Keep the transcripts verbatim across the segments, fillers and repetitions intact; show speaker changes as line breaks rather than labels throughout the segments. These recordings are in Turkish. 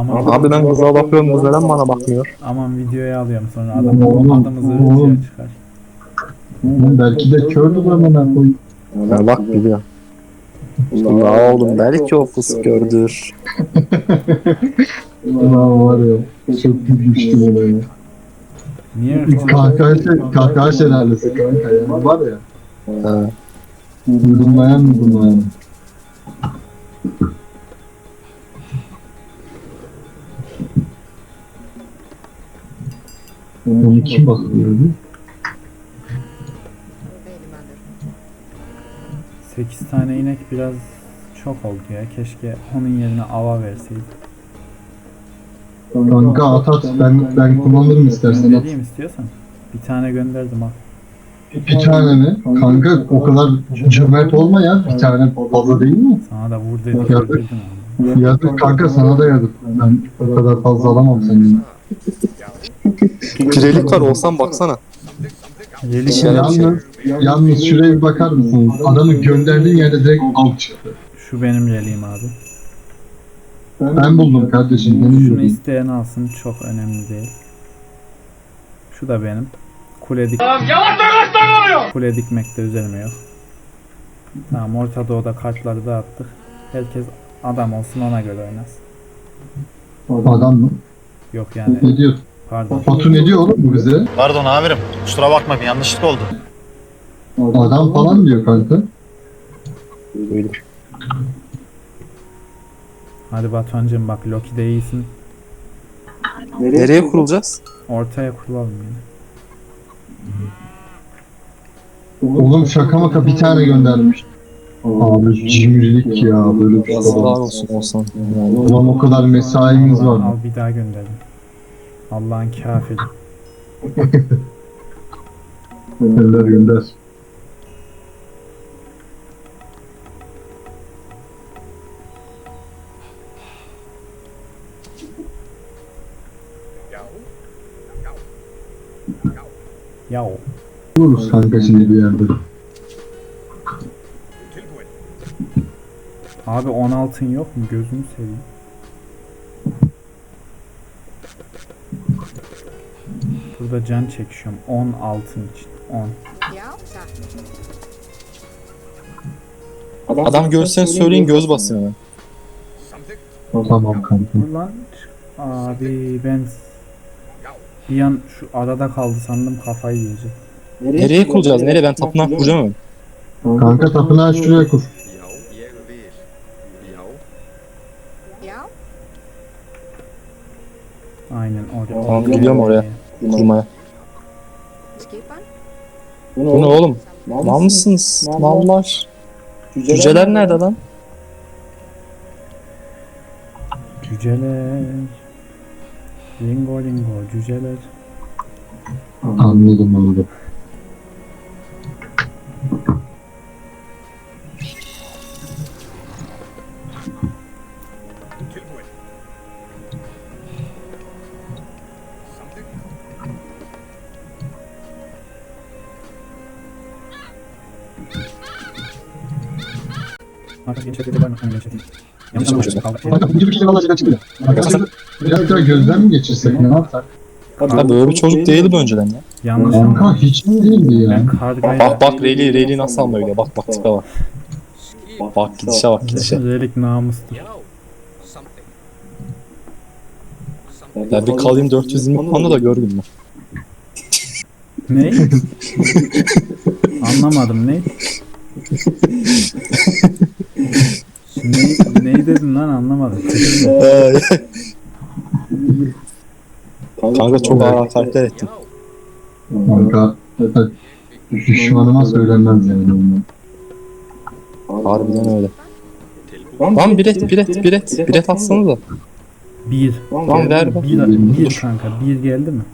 Aman,
Abi ben kıza bakıyorum, kız neden bana bakmıyor?
aman videoya alıyorum sonra adam, adımızı ırkçıya çıkar.
Belki de kördü ben bana koy.
Ya bak biliyor. La oğlum belki o pus gördür.
Ulan var ya. Çok gülmüştüm ona ya.
Niye ırkçı?
Kahkaha, kahkaha şelalesi kanka ya. Var ya.
Ha.
Yudumlayan yudumlayan. Onu kim bakıyordu?
sekiz tane inek biraz çok oldu ya. Keşke onun yerine ava verseydik.
Kanka at at. Ben, ben kullanırım istersen at.
Göndereyim istiyorsan. Bir tane gönderdim ha.
Bir tane mi? Kanka o kadar cömert olma ya. Bir tane fazla değil mi?
Sana da vur dedik
Yazık.
öldürdün abi.
Yazık kanka sana da yazık. Ben o kadar fazla alamam senin.
Pirelik var olsan baksana.
Yeli
Şey
gel-
yap-
Yalnız, yalnız şuraya bir bakar mısınız? Adamı gönderdiğin yerde direkt alt çıktı.
Şu benim yeleğim abi.
Ben buldum kardeşim. Benim
Şunu
buldum.
isteyen alsın, çok önemli değil. Şu da benim. Kule dik... Kule dikmekte üzerime yok. Tamam, Orta Doğu'da kartları dağıttık. Herkes adam olsun, ona göre oynasın.
Adam mı?
Yok yani,
Ne diyor?
pardon.
Batu ne diyor oğlum bu bize?
Pardon amirim. Kusura bakma bir yanlışlık oldu.
Adam falan diyor kanka.
Böyle.
Hadi Batuhan'cığım bak, Loki'de iyisin.
Nereye kurulacağız?
Ortaya kurulalım yine.
Oğlum şaka maka bir tane göndermiş. Abi cimrilik ya böyle bir şey
Yazıklar
olamaz.
olsun olsan.
Ulan o kadar mesaimiz var.
Al, bir daha gönderdim. Allah'ın kafiri.
Gönder gönder.
Yav.
Buluruz kanka şimdi bir yerde.
Abi on altın yok mu? Gözünü seveyim. Burada can çekişiyorum. on altın için. on.
Adam görseni söyleyin, göz basın hemen.
Tamam kanka.
Dur lan. Abi ben bir an şu arada kaldı sandım, kafayı yiyecek.
Nereye kuracağız? Nereye? Ben tapınak kuracağım hemen.
Kanka tapınağı şuraya kur.
Aynen oraya.
Tamam, gidiyorum oraya. Kurmaya. Bu ne oğlum? Mal mısınız? Mallar. Cüceler nerede lan?
Cüceler. Lingo lingo cüceler.
Anladım anladım.
Artık gençlikte var mı? Hani gençlik. Yanlış anlaşıldı.
Kanka bu gibi şey valla şeyden çıkıyor. Biraz daha gözden mi geçirsek ne yapsak?
Ha böyle bir çocuk değildi bu önceden ya.
Yanlış
Kanka
anlaşıldı.
hiç mi değildi
Ben
ya?
kargayla...
Bak bak Rayleigh, Rayleigh nasıl alma öyle. Bak bak tipe bak. Bak gidişe bak gidişe.
Relik namustur.
Ya bir kalayım dört yüz yirmi puanla da gör gününü.
Ne? Anlamadım, ne? ne, ne dedin lan, anlamadım.
Kanka çok ağır hakaretler ettin.
Kanka düşmanıma söylenmez yani.
Harbiden öyle. Lan biret biret biret biret atsana da.
Bir.
Lan ver ver.
Bir, bir kanka, bir geldi mi?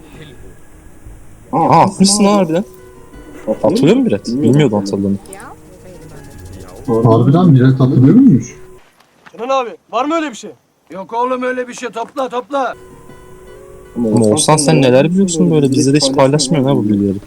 Aa atmışsın lan harbiden. Atılıyor mu biret? Bilmiyordum atıldığını.
Harbiden bilet atılıyor muymuş?
Kenan abi var mı öyle bir şey? Yok oğlum öyle bir şey, topla topla.
Ama olsan sen neler biliyorsun böyle, bizde de hiç paylaşmıyorsun ha bu bilgileri.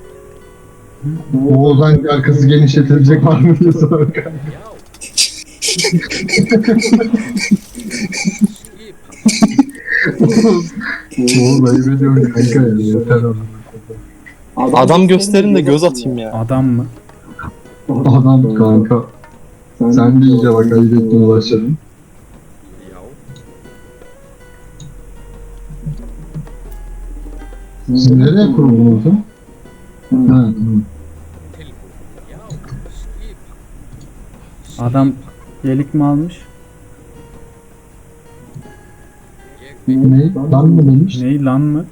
Oğuzhan arkası genişletilecek var mı diye soruyor kanka. Oğlum ayıp ediyorum kanka ya. Yeter oğlum.
Adam gösterin de göz atayım ya.
Adam mı?
Adam kanka. Sen de iyice bak ayıp etmeye başladın. Siz nereye kuruldunuz? Ha, tamam.
Adam yelik mi almış?
Ne? Lan mı demiş?
Ney lan mı?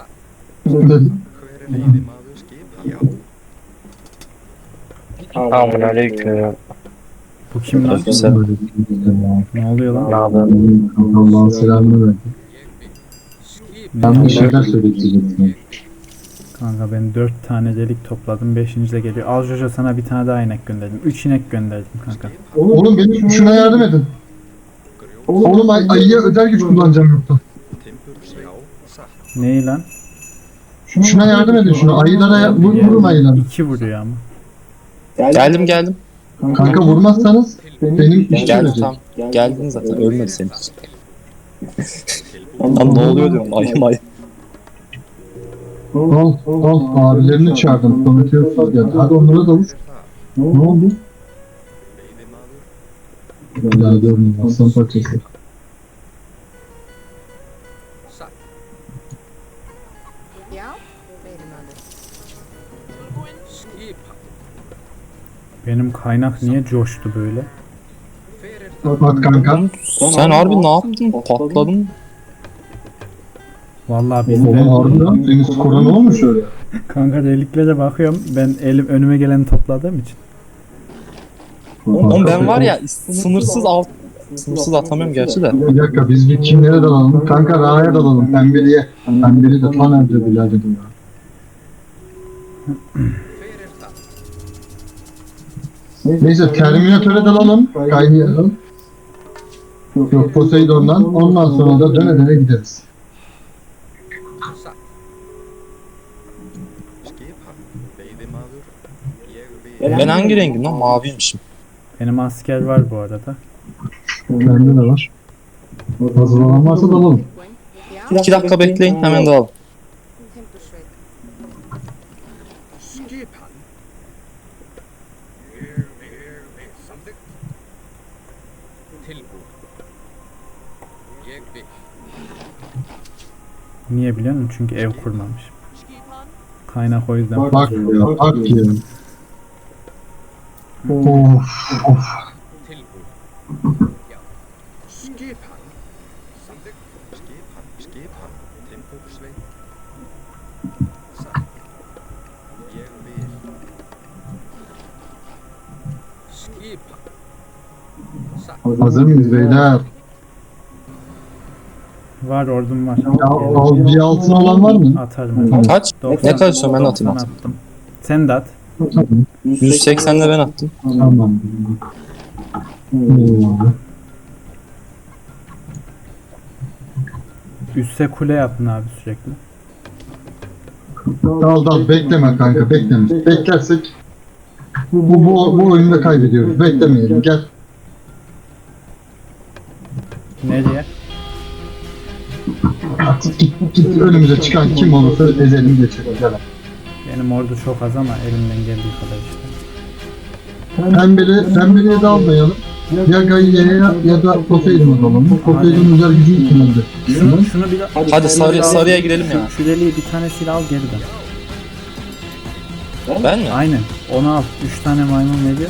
Aman aleyküm.
Bu kim lan?
Güzel.
Ne oluyor lan?
Allah'ın selamını verdi. Ben bir şeyler söyleyecektim.
Kanka ben dört tane delik topladım. Beşinci de geliyor. Al Jojo, sana bir tane daha inek gönderdim. Üç inek gönderdim kanka.
Oğlum benim şuna yardım edin. Oğlum ay ayıya özel güç kullanacağım yoksa.
Ney lan?
Şuna yardım edin şuna. Ayılara ya- vur, vurun ayılara.
İki vuruyor ama.
Geldim geldim.
Kanka vurmazsanız benim işim
Geldim
ölecek.
tam. Geldin zaten ölmedi senin için. Lan ne oluyor diyorum ayım ayım.
Al, al. Abilerini çağırdım. Prometheus geldi. Hadi onlara da vur. Ne oldu? Ya görmüyorum. Aslan parçası.
Ja? Rede mal das.
Benim kaynak niye coştu böyle?
Bak kanka.
Sen harbi ne yaptın? Patladın.
Vallahi biz
Oğlum
de
harbiden senin skora ne olmuş öyle?
kanka deliklere bakıyorum. Ben elim önüme geleni topladığım için.
Oğlum ben var ya sınırsız alt sınırsız atamıyorum gerçi de.
Bir dakika biz bir kimlere dalalım? Kanka Ra'ya dalalım. Pembeliye. Pembeli de tam önce birader ya. Neyse Terminatöre dalalım. Kaynayalım. Yok Poseidon'dan. Ondan sonra da döne döne gideriz.
Ben hangi rengim lan? Maviymişim.
Benim asker var bu arada.
Bende de var. Hazırlanan varsa dalalım.
Ja?
İki dakika bekleyin hemen dağılın.
Tempo schwächen.
Niye biliyor musun? Çünkü ev kurmamış. Kaynak o yüzden.
Bak ya bak ya. Of of. Hazır mıyız beyler?
Var, ordum var.
Ya, al, bir altın olan var mı?
Atarım. hadi.
Kaç?
doksan
Ne kadar istiyorsun ben atayım
doksan
atayım.
attım. Sen de at.
yüz seksenle ben attım.
Tamam. Oo.
Üste kule yapın abi sürekli.
Dal dal bekleme kanka bekleme. Beklersek bu, bu, bu oyunu da kaybediyoruz. Beklemeyelim gel.
Nereye?
Artık git, git önümüze çıkan kim olursa ezelim geçelim. Gel.
Benim ordu çok az ama elimden geldiği kadar işte.
Pembeli, pembeliye de almayalım. Ya Gaia'ya ya da Poseidon'a alalım. Poseidon özel gücü kullandı.
Şunu, şunu bir
Hadi sarı, sarıya girelim ya.
Şu deliği bir tanesiyle al geri dön.
Ben mi?
Aynen. Onu al. Üç tane maymun veriyor.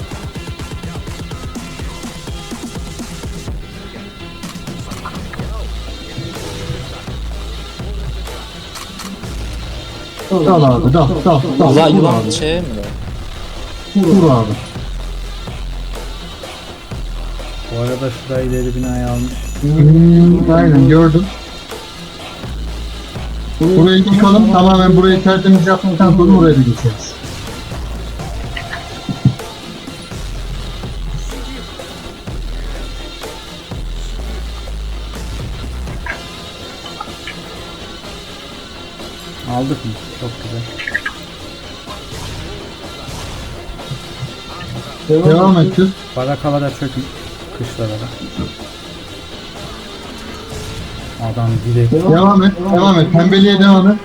Dal abi dal dal dal.
Ulan
Vur
yılan
abi.
şey mi?
Vur abi.
Bu arada şurayı ileri binayı almış.
Hmm, aynen gördüm. Burayı yıkalım. Tamamen burayı tertemiz yaptıktan sonra oraya da geçeriz.
Aldık mı? Çok güzel.
Devam ettir.
Barakalara çökün. kışlara da. Adam direkt
Devam et, devam et. Pembeliğe devam et.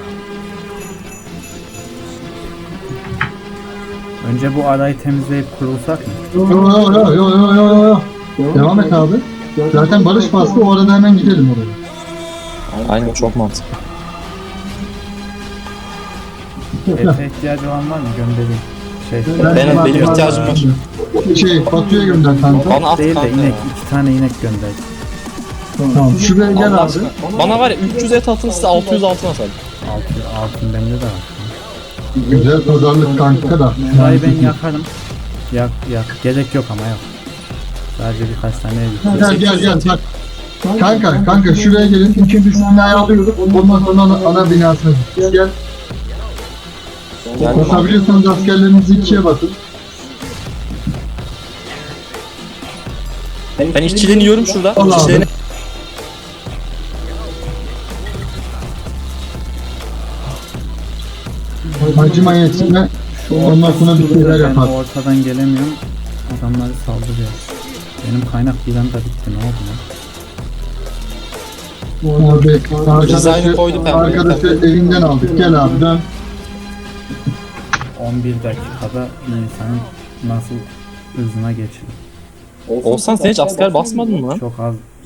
önce bu arayı temizleyip kurulsak mı?
Yo yo yo yo yo yo yo. Devam et abi. Zaten barış bastı, o arada hemen gidelim oraya.
Aynen çok mantıklı.
Ete ihtiyacı olan var mı? Göndereyim. Şey,
Benim, benim ihtiyacım var.
Şey, Batu'ya gönder kanka.
Bana at
değil de
kanka
inek.
ya.
iki tane inek gönder.
Tamam, şuraya gel
Allah
abi.
aşkına. Bana var ya üç yüz et atın size altı yüz altın atalım.
Altın, altın bende de var.
Güzel pazarlık kanka da.
Şurayı ben yakarım. Yak yak. Gerek yok ama yok. Sadece birkaç tane ev.
Gel gel gel bak. Kanka kanka şuraya gelin. İkinci binayı alıyoruz. Ondan sonra ana, ana binasına gideceğiz. Gel.
Gel.
Basabiliyorsanız askerlerinizi ikiye basın.
Ben işçiliğini yiyorum şurada.
Allah
İşçiliğini...
Hacı manyetine ondan sonra bir şeyler
Ben
yapar.
ortadan gelemiyorum. Adamları saldırıyor. Benim kaynak bir anda bitti. Ne oldu lan?
Abi
Dizaynı
arkadaşı,
koydu pembe.
arkadaşı evinden aldık. Gel abi dön.
on bir dakikada insanın nasıl hızına geçiyor.
Olsan sen hiç asker basmadın mı lan?
Çok az